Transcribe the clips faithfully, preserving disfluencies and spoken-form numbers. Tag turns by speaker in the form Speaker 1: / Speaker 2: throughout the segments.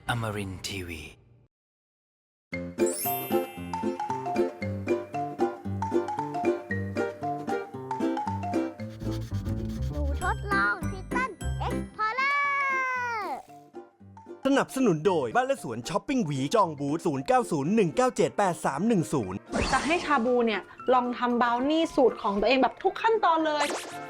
Speaker 1: Amarin ที วี
Speaker 2: หนูทดลองทิตันเอ็กพอร์เลอร์
Speaker 3: สนับสนุนโดยบ้านและสวนช้อปปิ้งหวีจองบูธ ศูนย์ เก้า ศูนย์ หนึ่ง เก้า เจ็ด แปด สาม หนึ่ง ศูนย์
Speaker 4: จะให้ชาบูเนี่ยลองทำบราวนี่สูตรของตัวเองแบบทุกขั้นตอนเลย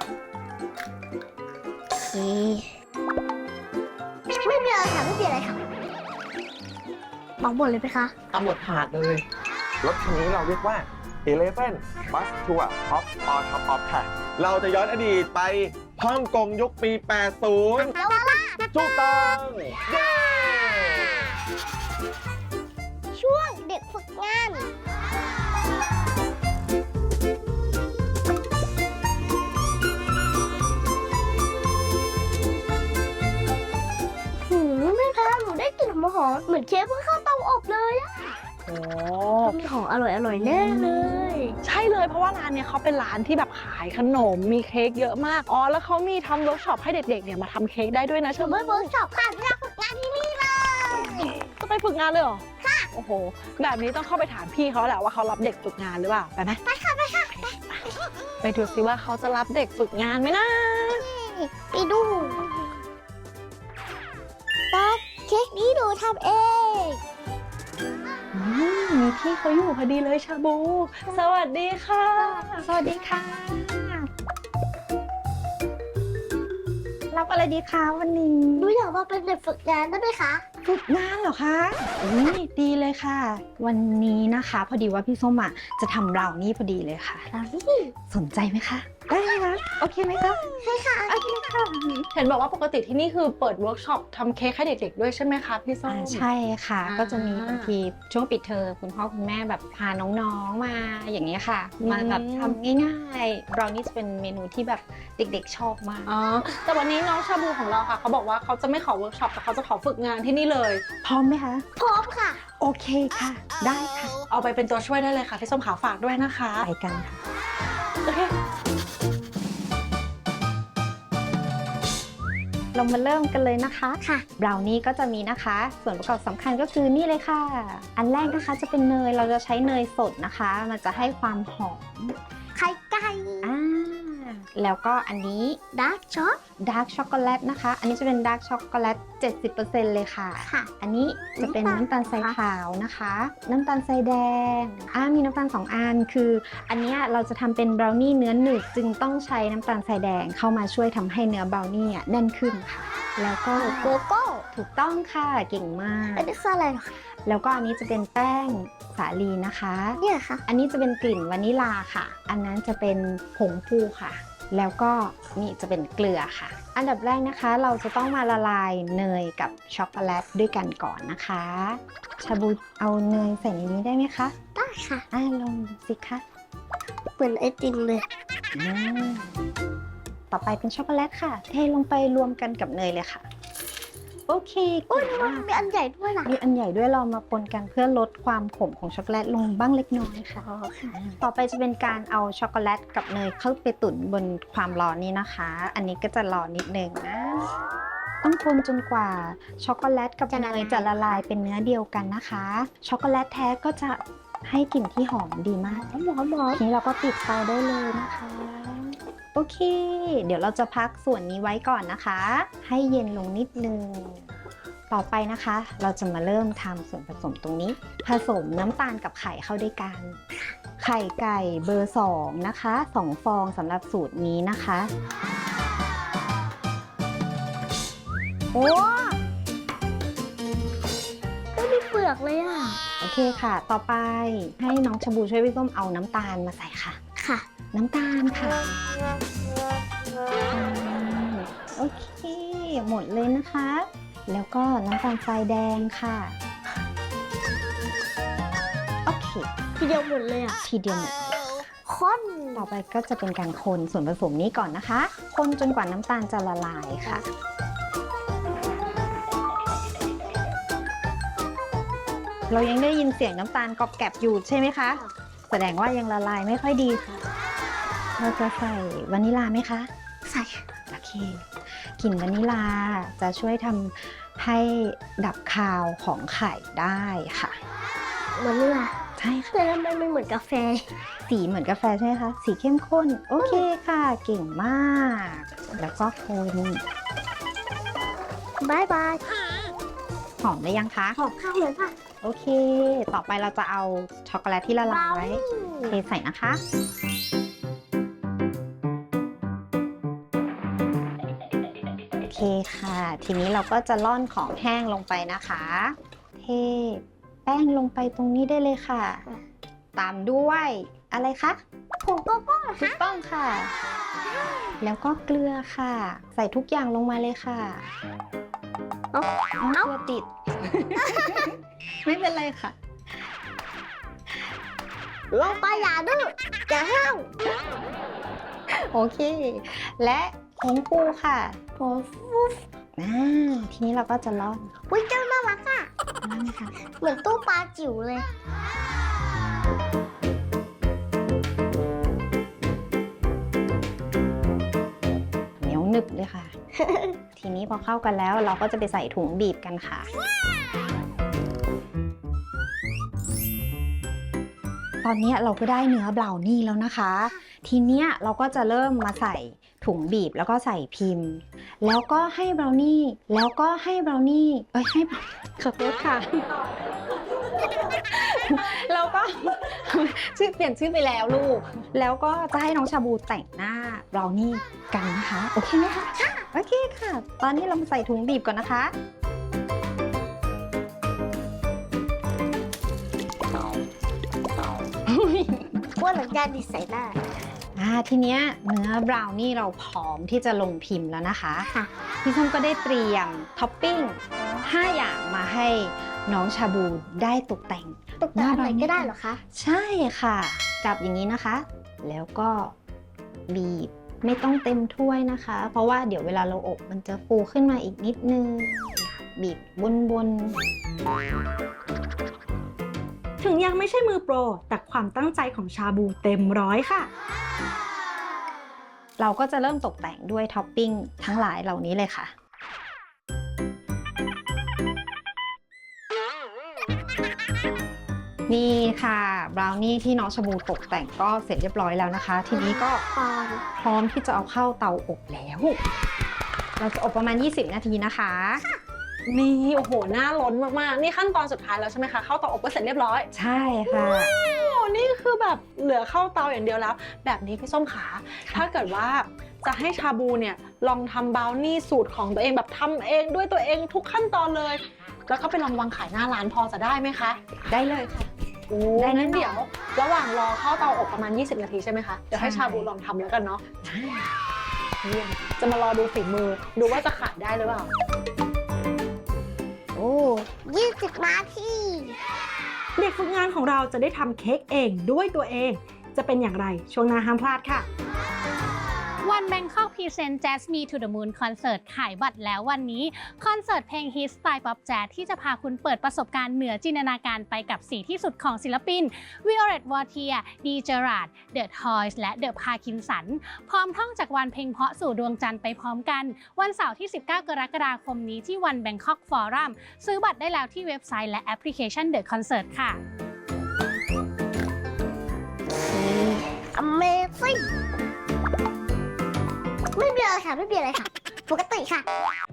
Speaker 2: ไม่มีอะไรค่ะไม่มีอะไรค่ะบอกหมดเลยไหมคะ
Speaker 4: เอาหมดถาดเลย
Speaker 5: รถคันนี้เราเรียกว่า Eleven Bus Tour Top on Top of ค่ะ เราจะย้อนอดีตไปฮ่องกงยุคปี แปดสิบ
Speaker 2: แล้วว่าล่ะ
Speaker 5: ถูกต้องเย้
Speaker 2: ช่วงเด็กฝึกงานหืมแม่คะหนูได้กลิ่นหอมหอมเหมือนเชฟเพิ่งเข้าเตาอบเลยอะ
Speaker 4: โอ้
Speaker 2: มีของอร่อยอร่อยแน่เลย
Speaker 4: ใช่เลยเพราะว่าร้านเนี่ยเขาเป็นร้านที่แบบขายขนมมีเค้กเยอะมากอ๋อแล้วเขามีทำเวิร์กช็อปให้เด็กๆเนี่ยมาทำเค้กได้ด้วยนะ
Speaker 2: หนู
Speaker 4: ใช่ไหม
Speaker 2: ไปเวิร์กช็อปค่ะที่อยากฝึกงานที่นี่เลย
Speaker 4: จะไปฝึกงานเลยเหรอค่ะโอ้โหแบบนี้ต้องเข้าไปถามพี่เขาแหละว่าเขารับเด็กฝึกงานหรือเปล่าไปไหมไปค่ะไปค่ะไปดูสิว่าเขาจะรับเด็กฝึกงานไหมนะ
Speaker 2: ไปดูป๊อกเค้กนี้หนูทำเอง
Speaker 4: อืมมีพี่เขาอยู่พอดีเลยชาบู สวัสดีค่ะ
Speaker 6: สวัสดีค่ะ รับอะไรดีคะวันนี้
Speaker 2: หนูอยากมาเป็นเด็กฝึกงานได้ไหมคะ
Speaker 6: ฝึกงานเหรอคะอุ้ยดีเลยค่ะ วันนี้นะคะพอดีว่าพี่ส้มอ่ะจะทำบราวนี่พอดีเลยค่ะ
Speaker 2: บราวนี่
Speaker 6: สนใจไหมคะ ได้ไหมคะ โอเคไหมคะ
Speaker 2: ใช่ค่ะ
Speaker 6: โอเคค่ะ
Speaker 4: เห็นบอกว่าปกติที่นี่คือเปิดเวิร์กช็อปทำเค้กให้เด็กๆด้วยใช่ไหมคะพี่ส้
Speaker 6: อ่าม ใช่ค่ะ
Speaker 4: อ่า
Speaker 6: ก็จะมีบางทีช่วงปิดเทอมคุณพ่อคุณแม่แบบพาน้องๆมาอย่างนี้ยค่ะ มาแบบทำง่ายๆบราวนี่จะเป็นเมนูที่แบบเด็กๆชอบมาก
Speaker 4: อ๋อแต่วันนี้น้องชาบูของเราค่ะเขาบอกว่าเขาจะไม่ขอเวิร์กช็อปแต่เขาจะขอฝึกงานที่นี่เลย
Speaker 6: พร้อมไหมคะ
Speaker 2: พร้อมค่ะ
Speaker 6: โอเคค่ะ ได้ค่ะ
Speaker 4: เอาไปเป็นตัวช่วยได้เลยค่ะพี่ส้มขาฝากด้วยนะคะ
Speaker 6: ไปกันค่ะ
Speaker 4: โอเค
Speaker 6: เรามาเริ่มกันเลยนะคะ
Speaker 2: ค่ะ
Speaker 6: บราวนี่ก็จะมีนะคะ ส่วนประกอบสำคัญก็คือนี่เลยค่ะ อันแรกนะคะจะเป็นเนย เราจะใช้เนยสดนะคะ มันจะให้ความหอม
Speaker 2: ไข่ไก่
Speaker 6: อ่าแล้วก็อันนี้
Speaker 2: ดาร์กช็อก
Speaker 6: ดาร์กช็อกโกแลตนะคะ อันนี้จะเป็นดาร์กช็อกโกแลต เจ็ดสิบเปอร์เซ็นต์ เลยค่ะ
Speaker 2: ค่ะ
Speaker 6: อันนี้จะเป็นน้ำตาลทรายขาวนะคะ น้ำตาลทรายแดงอ่ามีน้ำตาลสองอัน คืออันเนี้ยเราจะทำเป็นบราวนี่เนื้อหนึบจึงต้องใช้น้ำตาลทรายแดงเข้ามาช่วยทำให้เนื้อบราวนี่แน่นขึ้นค่ะ แล้วก็
Speaker 2: โกโก้
Speaker 6: ถูกต้องค่ะ เก่งมาก
Speaker 2: อันนี้คืออะไรเหรอคะ
Speaker 6: แล้วก็อันนี้จะเป็นแป้งสาลีนะคะ
Speaker 2: เนี่ยค่ะ
Speaker 6: อันนี้จะเป็นกลิ่นวานิลาค่ะ อันนั้นจะเป็นผงฟูค่ะ แล้วก็นี่จะเป็นเกลือค่ะ อันดับแรกนะคะเราจะต้องมาละลายเนยกับช็อกโกแลตด้วยกันก่อนนะคะ ชาบูเอาเนยใส่ในนี้ได้ไหมคะ
Speaker 2: ได้ค่ะ
Speaker 6: อ่าลองดูสิคะ
Speaker 2: เหมือนไอติมเลย
Speaker 6: อืมต่อไปเป็นช็อกโกแลตค่ะ เทลงไปรวมกันกับเนยเลยค่ะ โอเค
Speaker 2: โอ้ย
Speaker 6: เก่ง
Speaker 2: มั
Speaker 6: มาน ก
Speaker 2: มีอันใหญ่ด้วยนะ
Speaker 6: มีอันใหญ่ด้วยเรามาปนกันเพื่อลดความขมของช็อกโกแลตลงบ้างเล็กน้อยค่ะ
Speaker 2: อ๋อค่ะ
Speaker 6: ต่อไปจะเป็นการเอาช็อกโกแลตกับเนยเข้าไปตุ๋นบนความร้อนนี้นะคะ อันนี้ก็จะรอนิดนึงนะ ต้องคนจนกว่าช็อกโกแลตกับเนยจะละลายเป็นเนื้อเดียวกันนะคะ ช็อกโกแลตแท้ก็จะให้กลิ่นที่หอมดีมาก
Speaker 2: หอมหอมหอม
Speaker 6: ทีนี้เราก็ปิดไฟได้เลยนะคะ โอเค เดี๋ยวเราจะพักส่วนนี้ไว้ก่อนนะคะ ให้เย็นลงนิดนึง ต่อไปนะคะ เราจะมาเริ่มทำส่วนผสมตรงนี้ ผสมน้ำตาลกับไข่เข้าด้วยกัน ไข่ไก่เบอร์สองนะคะสองฟองสำหรับสูตรนี้นะคะ
Speaker 2: โอ้ไม่มีเปลือกเลยอ่ะ
Speaker 6: โอเคค่ะ ต่อไปให้น้องชาบูช่วยพี่ส้มเอาน้ำตาลมาใส่ค่ะ
Speaker 2: ค่ะ
Speaker 6: น้ำตาลค่ะโอเค หมดเลยนะคะ แล้วก็น้ำตาลทรายแดงค่ะ โอเค
Speaker 2: ทีเดียวหมดเลยอ่ะ
Speaker 6: ทีเดียวหมด
Speaker 2: ข้น
Speaker 6: ต่อไปก็จะเป็นการคนส่วนผสมนี้ก่อนนะคะ คนจนกว่าน้ำตาลจะละลายค่ะ เรายังได้ยินเสียงน้ำตาลกรอบแกรบอยู่ใช่ไหมคะ แสดงว่ายังละลายไม่ค่อยดีค่ะ เราจะใส่วานิลาไหมคะ
Speaker 2: ใส่
Speaker 6: โอเคกลิ่นวานิลาจะช่วยทำให้ดับคาวของไข่ได้ค่ะ
Speaker 2: วานิลา
Speaker 6: ใช่ค่ะ
Speaker 2: แต่ทำไมมันเหมือนกาแฟ
Speaker 6: สีเหมือนกาแฟใช่ไหมคะ สีเข้มข้น โอเคค่ะ เก่งมาก แล้วก็คน
Speaker 2: บายบาย
Speaker 6: หอมได้ยังคะ
Speaker 2: ขอบข้าวเลยค่ะ
Speaker 6: โอเค ต่อไปเราจะเอาช็อกโกแลตที่ละลายไว้เทใส่นะคะ โอเคค่ะ ทีนี้เราก็จะร่อนของแห้งลงไปนะคะ เทแป้งลงไปตรงนี้ได้เลยค่ะ ตามด้วยอะไรคะ
Speaker 2: ผงโกโก้เหรอ
Speaker 6: ถู
Speaker 2: คะ
Speaker 6: กต้องค่ะ แล้วก็เกลือค่ะ ใส่ทุกอย่างลงมาเลยค่ะ
Speaker 2: เอา
Speaker 6: เอาเกลือติด ไม่เป็นไรค่ะ
Speaker 2: ลงไปอย่าดื้ออย่าห้าว
Speaker 6: โอเค และผงปูค่ะ
Speaker 2: โอ้ฟูฟ
Speaker 6: อ่าทีนี้เราก็จะร่อน
Speaker 2: อุ้ยเจ้าน่ารักอ่ะ
Speaker 6: ร่อนค่ะ
Speaker 2: เหมือนตู้ปลาจิ๋วเลย
Speaker 6: เหนียวหนึบเลยค่ะ ทีนี้พอเข้ากันแล้วเราก็จะไปใส่ถุงบีบกันค่ะ ตอนนี้เราก็ได้เนื้อบราวนี่แล้วนะคะ ทีเนี้ยเราก็จะเริ่มมาใส่ถุงบีบแล้วก็ใส่พิมพ์ แล้วก็ให้บราวนี่ แล้วก็ให้บราวนี่ เอ้ยให้ขอโทษค่ะ แล้วก็ ชื่อเปลี่ยนชื่อไปแล้วลูก แล้วก็จะให้น้องชาบูแต่งหน้าบราวนี่กันนะคะ โอเคไหมคะโอเคค่ะ ตอนนี้เรามาใส่ถุงบีบก่อนนะคะ
Speaker 2: ว่าหลังจากดิใส่หน้า
Speaker 6: อ่าทีเนี้ยเนื้อบราวนี่เราพร้อมที่จะลงพิมพ์แล้วนะคะ
Speaker 2: ค่ะ
Speaker 6: พี่ส้มก็ได้เตรียมท็อปปิ้งห้าอย่างมาให้น้องชาบูได้ตกแต่ง
Speaker 2: ตกแต่งอะไรก็ได้เหรอคะ
Speaker 6: ใช่ค่ะ จับอย่างนี้นะคะ แล้วก็บีบไม่ต้องเต็มถ้วยนะคะ เพราะว่าเดี๋ยวเวลาเราอบมันจะฟูขึ้นมาอีกนิดนึง บีบบนบน
Speaker 1: ถึงยังไม่ใช่มือโปร แต่ความตั้งใจของชาบูเต็มร้อยค่ะ
Speaker 6: เราก็จะเริ่มตกแต่งด้วยท็อปปิ้งทั้งหลายเหล่านี้เลยค่ะ นี่ค่ะบราวนี่ที่น้องชาบูตกแต่งก็เสร็จเรียบร้อยแล้วนะคะ ทีนี้ก็
Speaker 2: ปอน
Speaker 6: พร้อมที่จะเอาเข้าเตาอบแล้ว เราจะอบประมาณ ยี่สิบ นาทีนะคะ
Speaker 4: นี่โอ้โหหน้าล้นมากๆ นี่ขั้นตอนสุดท้ายแล้วใช่ไหมคะ เข้าเตาอบก็เสร็จเรียบร้อย
Speaker 6: ใช่ค่ะ
Speaker 4: โอ้นี่คือแบบเหลือเข้าเตาอย่างเดียวแล้ว แบบนี้พี่ส้มขา ถ้าเกิดว่าจะให้ชาบูเนี่ยลองทำบราวนี่สูตรของตัวเองแบบทำเองด้วยตัวเองทุกขั้นตอนเลย แล้วก็ไปลองวางขายหน้าร้านพอจะได้ไหมคะ
Speaker 6: ได้เลยค่ะ
Speaker 4: โอ้
Speaker 6: ได้แน่นอน
Speaker 4: งั้นเดี๋ยวระหว่างรอเข้าเตาอบประมาณ ยี่สิบ นาทีใช่ไหมคะ เดี๋ยวให้ชาบูลองทำแล้วกันเนาะเยี่ยมจะมารอดูฝีมือ ดูว่าจะขายได้หรือเปล่า
Speaker 2: โอ้ยี่สิบนาที
Speaker 1: เด็กฝึกงานของเราจะได้ทำเค้กเองด้วยตัวเอง จะเป็นอย่างไรช่วงหน้าห้ามพลาดค่ะ
Speaker 7: วันแบงคอกพรีเซนต์ Jazz Me to the Moon คอนเสิร์ตขายบัตรแล้ววันนี้ คอนเสิร์ตเพลงฮิตสไตล์ป๊อปแจ๊สที่จะพาคุณเปิดประสบการณ์เหนือจินตนาการไปกับสีที่สุดของศิลปิน Violet Voltier, D. Gerard, The Toys และ The Parkinson พร้อมท่องจากวันเพลงเพราะสู่ดวงจันทร์ไปพร้อมกัน วันเสาร์ที่ สิบเก้ากรกฎาคมนี้ที่วันแบงคอกฟอรัมซื้อบัตรได้แล้วที่เว็บไซต์และแอปพลิเคชัน The Concert ค่ะ
Speaker 2: Amazing ไม่มีอะไรค่ะ ไม่มีอะไรค่ะ ปกติค่ะ